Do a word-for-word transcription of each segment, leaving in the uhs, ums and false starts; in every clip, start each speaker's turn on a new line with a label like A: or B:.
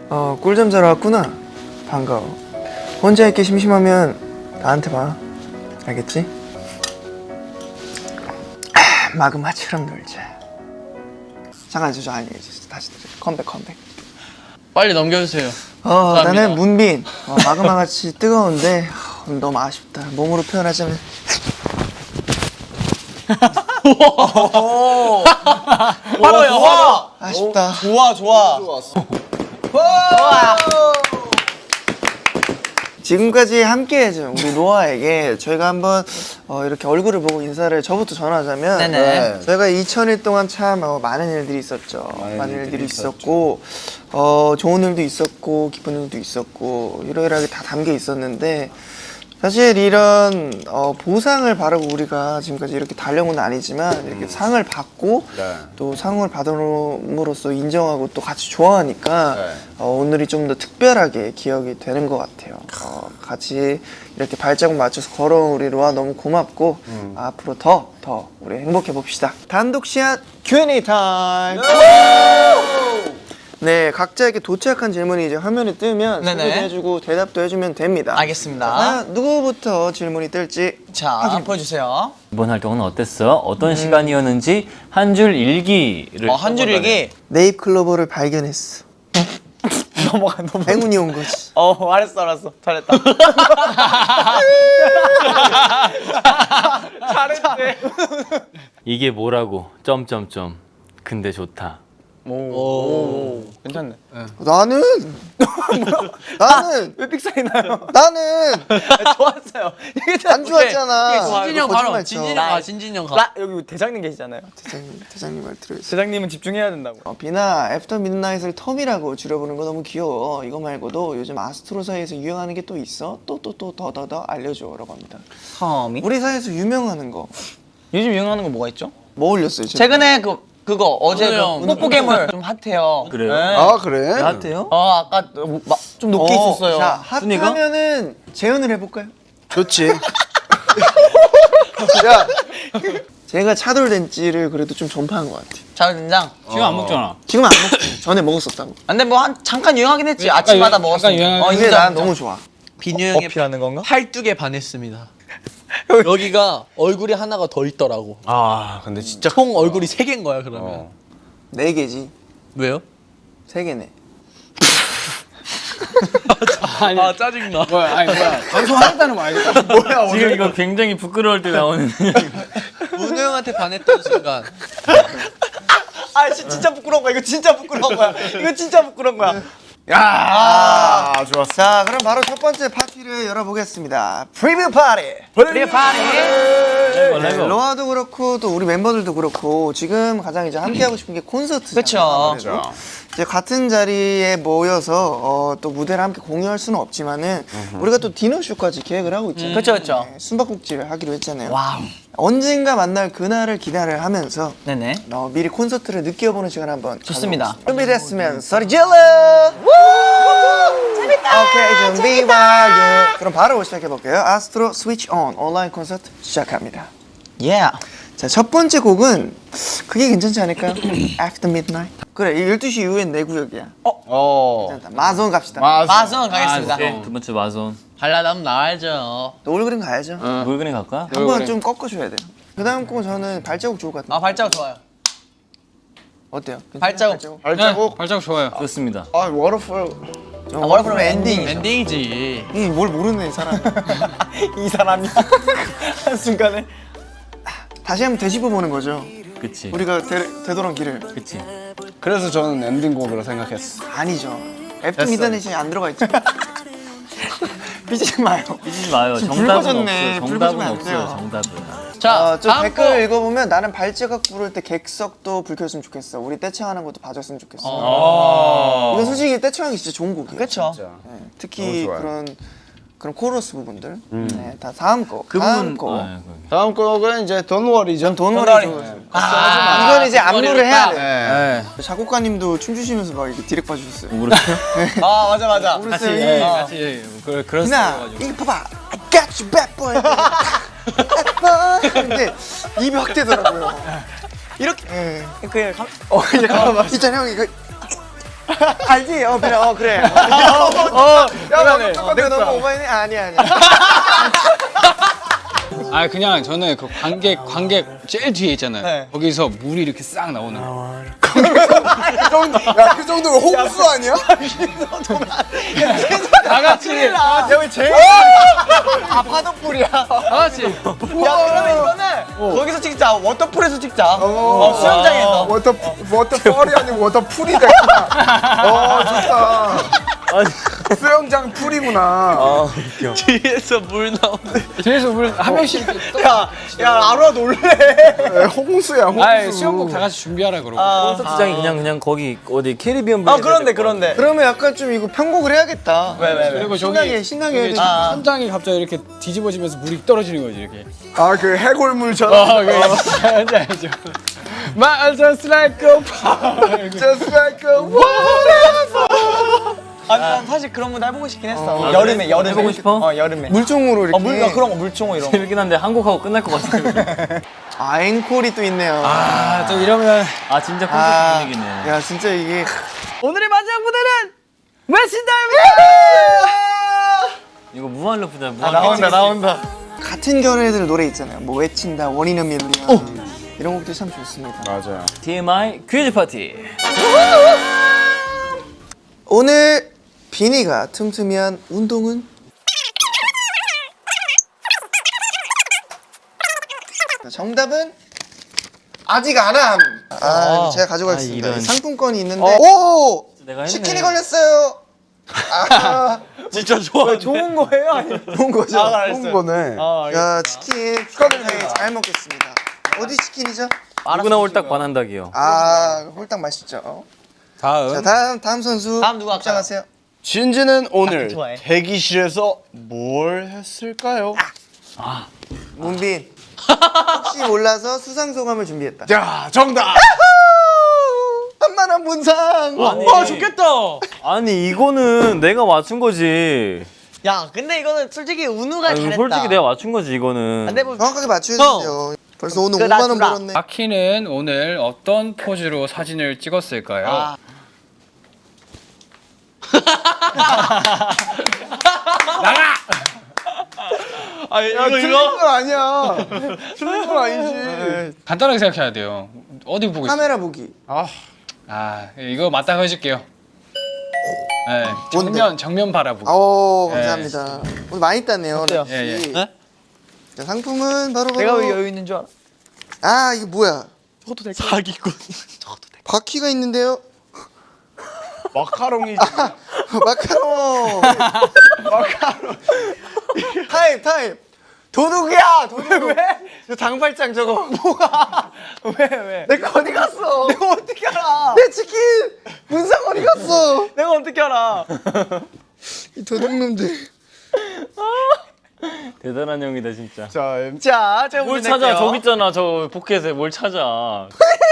A: 어, 꿀잠 자러 왔구나. 반가워. 혼자 있기 심심하면 나한테 봐. 알겠지? 아, 마그마처럼 놀자. 잠깐 저 아니 다시 드려. 컴백 컴백.
B: 빨리 넘겨주세요.
A: 어,
B: 감사합니다.
A: 나는 문빈. 어, 마그마같이 뜨거운데 어, 너무 아쉽다. 몸으로 표현하자면
B: 바로요. 와.
A: 아쉽다.
B: 좋아 좋아.
A: 지금까지 함께해준 우리 노아에게 저희가 한번 어, 이렇게 얼굴을 보고 인사를 저부터 전하자면
B: 네네.
A: 네. 저희가 이천 일 동안 참 어, 많은 일들이 있었죠. 많은, 많은 일들이 있었고 어, 좋은 일도 있었고 기쁜 일도 있었고 이러이러하게 다 담겨 있었는데 사실 이런 어, 보상을 바라고 우리가 지금까지 이렇게 달려온 건 아니지만 이렇게 음. 상을 받고 네. 또 상을 받음으로써 인정하고 또 같이 좋아하니까 네. 어, 오늘이 좀 더 특별하게 기억이 되는 것 같아요. 어, 같이 이렇게 발자국 맞춰서 걸어온 우리 로아 너무 고맙고 음. 앞으로 더, 더 우리 행복해 봅시다. 단독 시간 큐 앤 에이 타임! 네, 각자 이렇게 도착한 질문이 이제 화면에 뜨면 소개도 해주고 대답도 해주면 됩니다.
B: 알겠습니다.
A: 과연 누구부터 질문이 뜰지
B: 자, 보여주세요.
C: 이번 활동은 어땠어? 어떤 음. 시간이었는지 한 줄 일기를
B: 어, 한 줄 일기?
A: 네잎클로버를 발견했어.
B: 넘어가 넘어가.
A: 행운이 온 거지.
B: 어, 알았어 알았어. 잘했다. 잘했대.
C: 이게 뭐라고? 점점점. 근데 좋다.
B: 오, 오. 괜찮네. 네.
A: 나는 나는
B: 왜 삑사리 나요?
A: 나는
B: 좋았어요.
A: 안 좋았잖아.
B: 진진이 형 바로. 진진이 형 가. 진진이 형 가. 라, 여기 대장님 계시잖아요.
A: 대장님 대장님 말 들어있어.
B: 대장님은 집중해야 된다고.
A: 어, 비나 애프터 midnight을 텀이라고 줄여보는 거 너무 귀여워. 이거 말고도 요즘 아스트로 사이에서 유행하는 게 또 있어? 또 또 또 더 더 더 알려줘라고 합니다.
B: 텀이?
A: 우리 사이에서 유명하는 거.
B: 요즘 유행하는 거 뭐가 있죠?
A: 뭐 올렸어요?
B: 최근에 그 그거 어제 그 뽀뽀괴물 좀 핫해요.
C: 그래요?
B: 네.
A: 아 그래?
C: 핫해요?
B: 어 아까 마, 좀 높게
A: 어,
B: 있었어요.
A: 자 핫하면은 재연을 해볼까요?
D: 좋지.
A: 야, 제가 차돌된지를 그래도 좀 전파한 것 같아.
B: 자된장.
E: 지금 안 먹잖아.
A: 지금 안 먹지. 전에 먹었었다고.
B: 근데 뭐 한 잠깐 유행하긴 했지. 아침마다 먹었어.
E: 잠깐 유행하긴
B: 어,
A: 근데
B: 인정,
A: 난
B: 인정.
A: 너무 좋아.
F: 빈유 형의
B: 어필하는 건가?
F: 팔뚝에 반했습니다. 여기가 얼굴이 하나가 더 있더라고.
D: 아 근데 진짜
F: 총 얼굴이 세 개인 거야 그러면.
D: 어.
A: 네 개지.
F: 왜요?
A: 세 개네.
E: 아니,
F: 아 짜증나.
E: 뭐야? 아니 뭐야? 방송하겠다는 거 알겠다.
A: 뭐야
C: 지금 이거 굉장히 부끄러울 때 나오는
F: 문우 형한테 반했던 순간
B: 아 진짜 부끄러운 거야. 이거 진짜 부끄러운 거야. 이거 진짜 부끄러운 거야.
A: 야, 아, 좋았어. 자, 그럼 바로 첫 번째 파티를 열어보겠습니다. 프리뷰 파티.
B: 프리뷰 파티.
A: 네, 로아도 그렇고 또 우리 멤버들도 그렇고 지금 가장 이제 함께 하고 싶은 게 콘서트잖아요.
B: 그렇죠.
A: 이제 같은 자리에 모여서 어, 또 무대를 함께 공유할 수는 없지만은 우리가 또 디너쇼까지 계획을 하고 있잖아요.
B: 그렇죠, 그렇죠.
A: 네, 숨바꼭질을 하기로 했잖아요.
B: 와우.
A: 언젠가 만날 그날을 기대를 하면서
B: 네네.
A: 어, 미리 콘서트를 느껴보는 시간 한번
B: 좋습니다.
A: 가져보겠습니다. 준비됐으면 소리 질러! 재밌다! 오케이, 준비 완료. 그럼 바로 시작해볼게요. 아스트로 스위치 온 온라인 콘서트 시작합니다.
B: 예. Yeah.
A: 자, 첫 번째 곡은 그게 괜찮지 않을까요? After Midnight. 그래, 열두 시 이후엔 내 구역이야.
D: 어.
A: 괜찮다. 마존 갑시다.
B: 마성 가겠습니다.
C: 네, 두 번째 마손.
F: 발라담 나와야죠.
A: 노을 그림 가야죠.
C: 물 그림 갈까?
A: 한번 좀 꺾어줘야 돼요. 그 다음 곡은 저는 발자국 좋을 것 같아요.
B: 아 발자국 좋아요.
A: 어때요? 괜찮아요?
B: 발자국.
D: 발자국.
E: 네, 발자국 좋아요.
C: 좋습니다.
D: 아 워터풀.
A: 저
B: 아, 워터풀 엔딩.
F: 엔딩이지.
A: 이 뭘 모르는 사람.
B: 이 사람이 한 순간에.
A: 다시 한번 되짚어 보는 거죠.
C: 그치.
A: 우리가 되, 되돌아온 길을.
C: 그치.
D: 그래서 저는 엔딩곡으로 생각했어.
A: 아니죠. 애프터 미드나잇이 안 들어가 있죠. 삐지지 마요.
C: 삐지지 마요.
A: 지금
C: 정답은
A: 불 꺼졌네.
C: 없어요.
A: 불
C: 정답은
A: 꺼지면 안
C: 없어요.
A: 돼요.
C: 정답은.
F: 자,
A: 어, 저
F: 다음
A: 댓글
F: 거.
A: 읽어보면 나는 발자국 부를 때 객석도 불 켰으면 좋겠어. 우리 떼창하는 것도 봐줬으면 좋겠어.
F: 어.
A: 이건 솔직히 떼창하기 진짜 좋은 곡이에요.
B: 그렇죠.
A: 네, 특히
D: 너무 좋아요.
A: 그런 그런 코러스 부분들. 네, 다 다음 곡.
C: 그
A: 다음
C: 부분.
A: 곡.
C: 아, 거기.
D: 다음 곡은 이제 Don't Worry죠.
A: 돈월이. 아, 이건 이제 안무를 해야 돼.
D: 네.
A: 작곡가님도 춤추시면서 막 이렇게 디렉 봐주셨어요.
C: 울었어요?
B: 아 맞아 맞아.
A: 모르겠어요.
E: 예,
A: 이-
E: 같이 그래 그런
A: 나 이거 봐봐. I got you bad boy. bad boy. 근데 입이 확 되더라고요.
B: 이렇게
A: 예.
B: 그냥 감.
A: 어, 이제 가만 있잖아 형 이거 알지? 어 그래 어 그래. 어, 야 너무 똑같아 너무 오바이네. 아니야 아니야.
E: 아 그냥 저는 그 관객 관객 제일 뒤에 있잖아요.
B: 네.
E: 거기서 물이 이렇게 싹 나오는 거.
D: 야그 정도면 홍수 아니야?
E: 다 같이
B: 여기 제일 아 파도풀이야.
E: 다 같이.
B: 야 그러면 이거는 거기서 찍자. 워터풀에서 찍자. 어, 수영장에서.
D: 워터 워터펄이 아니고 워터풀이 됐구나. 어 좋다. 수영장 풀이구나.
F: 뒤에서 물 나오는.
E: 뒤에서 물 한 명씩 이렇게 떠.
B: 야, 야 아로아 놀래.
D: 네, 홍수야 홍수.
E: 아 수영복 다 같이 준비하라 그러고.
C: 콘서트장이 그냥 그냥 거기 어디 캐리비안
B: 아 그런데 그런데.
A: 그러면 약간 좀 이거 편곡을 해야겠다.
B: 왜 왜 왜?
E: 그리고
A: 신나게
E: 저기
A: 신나게 해야 돼.
B: 아.
E: 천장이 갑자기 이렇게 뒤집어지면서 물이 떨어지는 거지 이렇게.
D: 아그 해골물처럼.
E: 아 그게 뭔지 알죠? My just like a fire.
D: Just like a
B: 아, 난 사실 그런 거 해보고 싶긴 했어. 여름에 여름에.
C: 해보고 싶어?
B: 어 여름에.
A: 물종으로 이렇게.
B: 어 물가 그런 거 물총어 이런 거.
C: 재밌긴 한데 한국하고 끝날 것 같아요.
A: 아 앵콜이 또 있네요.
E: 아또 이러면
C: 아 진짜 콘서트
A: 아,
C: 분위기네.
A: 야 진짜 이게
B: 오늘의 마지막 무대는
C: 이거 무한 루프다.
B: 아,
C: 무한
B: 나온다 나온다.
A: 같은 결의들 노래 있잖아요. 뭐 외친다, 원인은 밀리언 이런 곡들 참 좋습니다.
D: 맞아요.
C: 티엠아이 퀴즈 파티.
A: 오늘 비니가 틈틈이한 운동은? 정답은 아직 안 함. 아, 제가 가져가겠습니다.
C: 아, 이런.
A: 상품권이 있는데. 오!
C: 내가 했네.
A: 치킨이 걸렸어요. 아,
B: 진짜 좋아. 좋은 거예요? 아니.
A: 좋은 거죠.
B: 아, 알았어요.
D: 좋은 거네.
B: 아,
A: 야, 치킨 축하드려요. 잘 먹겠습니다. 어디 치킨이죠?
C: 누구나 홀딱 반한다기요.
A: 아, 홀딱 맛있죠.
E: 다음.
A: 자, 다음 다음 선수
B: 다음 누구 할까요?
A: 입장하세요.
D: 진지는 오늘
B: 좋아해.
D: 대기실에서 뭘 했을까요?
A: 문빈. 혹시 몰라서 수상 소감을 준비했다.
D: 자 정답.
A: 한만한 문상.
C: 아니,
B: 와 좋겠다.
C: 아니 이거는 내가 맞춘 거지.
B: 야 근데 이거는 솔직히 운우가
C: 아니,
B: 잘했다.
C: 솔직히 내가 맞춘 거지 이거는.
B: 근데 뭐
A: 정확하게 맞춰야 되는데요. 벌써 오늘
B: 그래,
A: 오만 원
B: 주라.
A: 벌었네.
E: 아키는 오늘 어떤 포즈로 사진을 찍었을까요?
B: 아. 아 이거
D: 틀린 건 아니야. 틀린 건 아니지.
E: 간단하게 생각해야 돼요. 어디 보고 있어요?
A: 카메라 보기.
D: 아
E: 아 이거 맞다고 해줄게요. 네, 정면 정면 바라보기.
A: 오 감사합니다. 오늘 많이 땄네요.
B: 어때요?
A: 럭키.
E: 예, 예.
B: 네?
A: 자, 상품은 바로 바로.
B: 내가 왜 여유 있는 줄 알아?
A: 아 이거 뭐야?
B: 저것도 될까? 사기꾼. 저것도 될까?
A: 바퀴가 있는데요.
D: 마카롱이지.
A: 마카롱. 마카롱. 타임 타임. 도둑이야 도둑. 왜? 저 장발장 저거. 뭐가?
B: 왜 왜?
A: 내 거 어디 갔어?
B: 내가 어떻게 알아?
A: 내 치킨 문상 어디 갔어?
B: 내가 어떻게 알아?
A: 이 도둑놈들.
C: 대단한 형이다 진짜.
D: 자 엠-
B: 자 제가
C: 뭘
B: 문제
C: 찾아?
B: 낼게요.
C: 저기 있잖아 저 포켓에 뭘 찾아?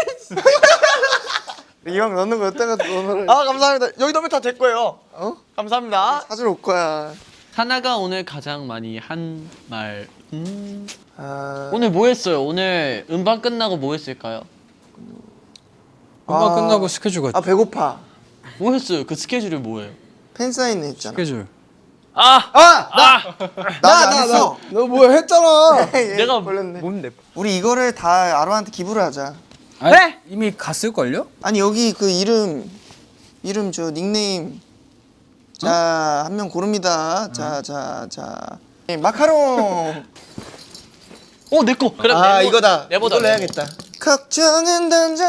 A: 이 형 넣는 거 여기다가 넣어놓으라.
B: 아 감사합니다. 여기 넣으면 다 될 거예요.
A: 어?
B: 감사합니다.
A: 사줄 올 거야.
F: 하나가 오늘 가장 많이 한 말. 음.
A: 아,
F: 오늘 뭐 했어요? 오늘 음반 끝나고 뭐 했을까요?
E: 음악
A: 아.
E: 끝나고 스케줄
A: 아
E: 갔죠.
A: 배고파.
F: 뭐 했어요? 그 스케줄이 뭐예요?
A: 팬 사인 했잖아.
E: 스케줄.
C: 아!
A: 나나 했어.
D: 너 뭐야 했잖아.
A: 내가 걸렸네.
B: 뭔데?
A: 우리 이거를 다 아로한테 기부를 하자.
E: 아니, 네? 이미 갔을 걸요?
A: 아니 여기 그 이름 이름 저 닉네임. 자 한 명 고릅니다. 자 자 자. 네, 마카롱.
F: 어, 내 거. 그래,
A: 아
F: 네모-
A: 이거다.
F: 네모다,
A: 이걸로
F: 네모.
A: 해야겠다. 걱정은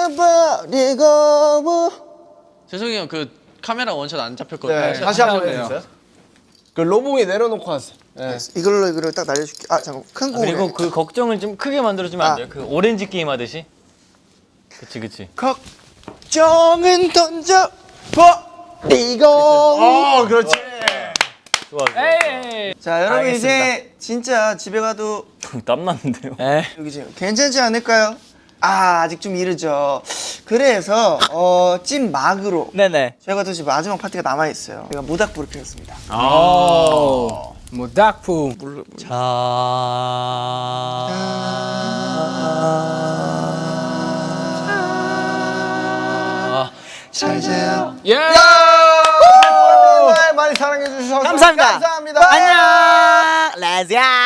A: 던져버리고.
F: 죄송해요. 그 카메라 원샷 안 잡혔거든요.
D: 네, 다시 한번 해주세요. 그 로봉이 내려놓고 하세요. 네.
A: 이걸로 이거를 딱 날려줄게. 아 잠깐 큰 거.
C: 그리고 그 걱정을 좀 크게 만들어주면 안
A: 아.
C: 돼요? 그 오렌지 게임 하듯이. 그치 그치.
A: 걱정은 던져버리고.
D: 어 그렇지.
C: 좋아 좋아.
E: 에이.
A: 자 여러분
B: 알겠습니다.
A: 이제 진짜 집에 가도
C: 땀 났는데요.
A: 여기 지금 괜찮지 않을까요? 아 아직 좀 이르죠. 그래서 어, 찐 막으로
B: 네네.
A: 저희가 또 지금 마지막 파티가 남아 있어요. 제가 모닥불을 폈습니다.
E: 아. 뭐 닭품.
F: 자. 아,
A: 잘 자요.
E: 예.
D: 많이 사랑해 주셔서
B: 감사합니다.
D: 감사합니다.
B: 안녕. 레지야.